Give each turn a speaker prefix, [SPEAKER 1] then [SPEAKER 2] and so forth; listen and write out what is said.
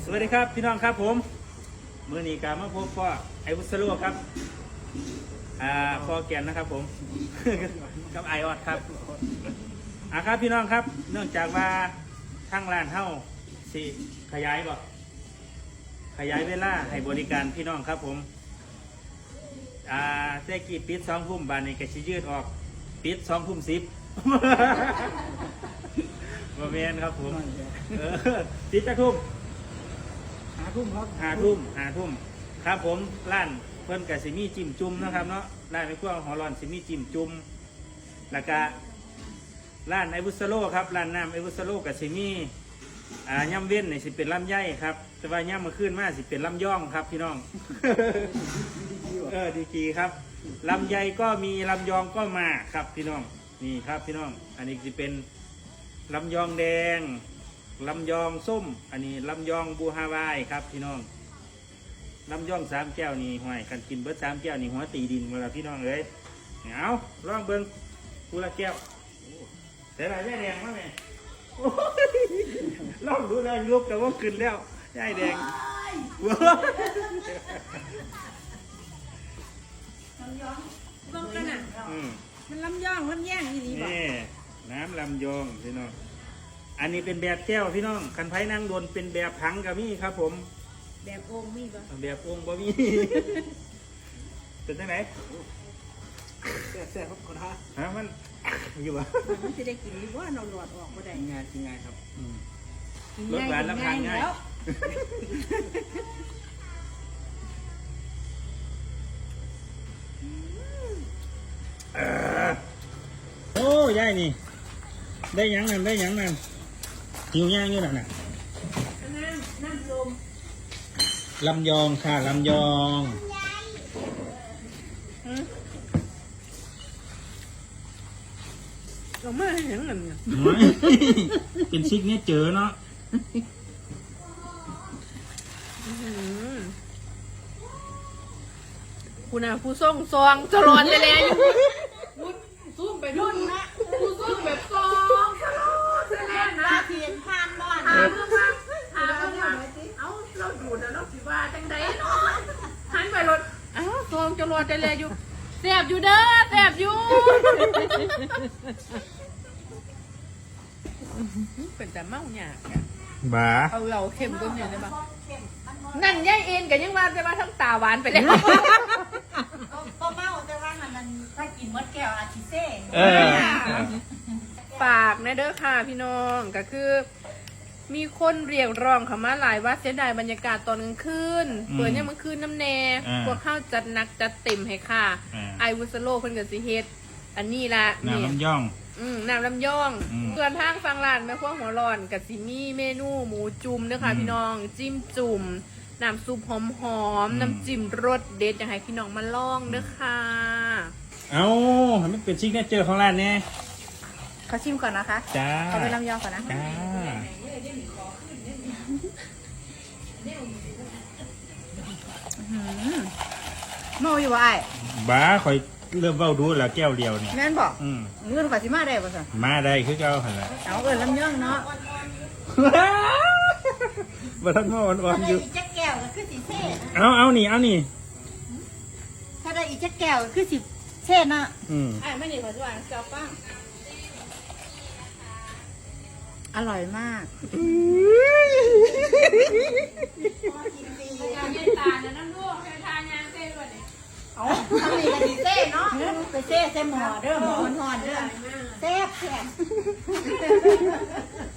[SPEAKER 1] สวัสดีครับพี่น้องครับผมมือนี้การมาพบพ่อไอวุสโลครับพ่อแกนนะครับผม กับไอออดครับครับพี่น้องครับเนื่องจากว่าทั้งร้านเฮ้าสิขยายเวลาให้บริการพี่น้องครับผมเจ๊กี้ปิด2 ทุ่มบานนี้ก็ชิยืดออกปิด2 ทุ่ม 10บ่แม่นครับผมปิดจักทุ่ม5 ทุ่มครับ5 ทุ่มครับผมร้านเพิ่นกับสิมีจิ้มจุ่มนะครับเนาะร้านในครัวหอร้อนสิมีจิ้มจุ่มแล้วก็ร้านไอวุสโลครับร้านน้ำไอวุสโลกับสิมีย่ำเว้นนี่สิเป็นลำไยครับแต่ว่าย่ำมาขึ้นมาสิเป็นลำย่องครับพี่น้อง ดีกีครับลำไยก็มีลำยองก็มาครับพี่น้องนี่ครับพี่น้องอันนี้สิเป็นลำยองแดงลำยองส้มอันนี้ลำยองบูฮาวายครับพี่น้องลำยอง3 แก้วนี่ห่วยกันกินเบิร์ด3 แก้วนี่หัวตีดินมาแล้วพี่น้องเลยเอาลองเบิ้งกูละแก้วแต่ละย่ายแดงมาไหมลองดูแลลุกแต่ว่าขึ้นแล้วย่ายแดง
[SPEAKER 2] ลำยองต้องกันอ่ะมันลำยองมันแย่งอีนี่บ่
[SPEAKER 1] น้ำลำยองพี่น้องอันนี้เป็นแบบแก้วพี่น้องคันไผ่นั่งโดนเป็นแบบถังกับมี่ครับผม
[SPEAKER 2] แบบโอ่งมีบ่
[SPEAKER 1] แบบโอ่งบ่มีเป็นจังไหน
[SPEAKER 3] แซ่บครับคนฮะ
[SPEAKER 1] มันอยู่วะ
[SPEAKER 2] มันจะได้กินหรือว่าเราหลอดออกบ่ได้
[SPEAKER 3] กินง่ายครับ
[SPEAKER 1] รสหวานรับทานง่ายโอ้ยายนี่ได้ยังนั่นหิวย่างอยู่นั่นน่ะ
[SPEAKER 2] น้ำลม
[SPEAKER 1] ลำยองค่ะลำยอง
[SPEAKER 2] เราไม่เห็นนั่น
[SPEAKER 1] เป็นซิกเนเจอร์เนาะ
[SPEAKER 2] คุณน่ะผู้ส่งซองจะร้อนเลยแหละซุ่มไปนู่นนะผู้ซุ่มแบบซองจะร้อนเลยแหละนะเพียนพานบ่อนเอาเราอยู่แต่เราสิว่าจังใดเนาะหันไปรถซองจะร้อนเลยแหละอยู่แสบอยู่เด้อแสบอยู่เป็นแต่เมาหยาบอ่ะ
[SPEAKER 1] บ้า
[SPEAKER 2] เอาเราเค็มก็เนี่ยได้ปะนั่นย่ายเอ็นกับยังว่าจะว่าทั้งตาหวานไปแล้ว
[SPEAKER 4] ก็เมาแต่ว่ามันถ้ากินมดแก้วอาทิเซ่
[SPEAKER 2] ฝากนะเด้อค่ะพี่น้องก็คือมีคนเรียกร้องเขามาหลายว่าเสียดายบรรยากาศตอนกลางคืนเปิดเนี่ยมันคืนน้ำแน่พวกข้าวจัดหนักจัดเต็มให้ค่ะไอวุสโลเพิ่นกับสิเฮ็ดอันนี้ละ
[SPEAKER 1] น้ำลำย่อง
[SPEAKER 2] น้ำลำย่องส่วนทางฟังร้านแม่ครัวหัวร้อนกับสิมีเมนูหมูจุ่มเด้อค่ะพี่น้องจิ้มจุ่มน้ำซุปหอมๆน้ำจิ้มรสเด็ดอยากให้พี่น้องมาลองเด้อค่ะ
[SPEAKER 1] เอามันเป็นซิกเนเจอร์ของร้านเนี่ย
[SPEAKER 2] เขาชิมก่อนนะคะ
[SPEAKER 1] จ้า
[SPEAKER 2] เขาไปลำยองก่อนนะ
[SPEAKER 1] จ้า
[SPEAKER 2] เมาอยู่วะไอ้
[SPEAKER 1] บ้าคอยเริ่มเว้าดูแล้วแก้วเดียวเนี่ย
[SPEAKER 2] แม่นบอกเงินข่อยสิมาได้ป่ะสิ
[SPEAKER 1] มาได้คือเก่าหั่นล่ะ
[SPEAKER 2] เอาลำยองเนาะ
[SPEAKER 1] บ่ทันมาอ่อนๆอยู่
[SPEAKER 4] อีจักแก้วก็คือสิเซ่
[SPEAKER 1] เอานี่
[SPEAKER 4] ถ้าได้อีจักแก้วก็คือสิเซ่น่ะ
[SPEAKER 2] ไม่นี่ขอสวรรค์เจ้าป้าอร่อยมากทานตาเนี่ยน้ำลูกทานยางเซ่ด้วยเนี่ย
[SPEAKER 4] ทำนี่ก็สิเซ่เนาะไปเซ่หม้อเด้อหม้อห่อนเด้อเซ่แข็ง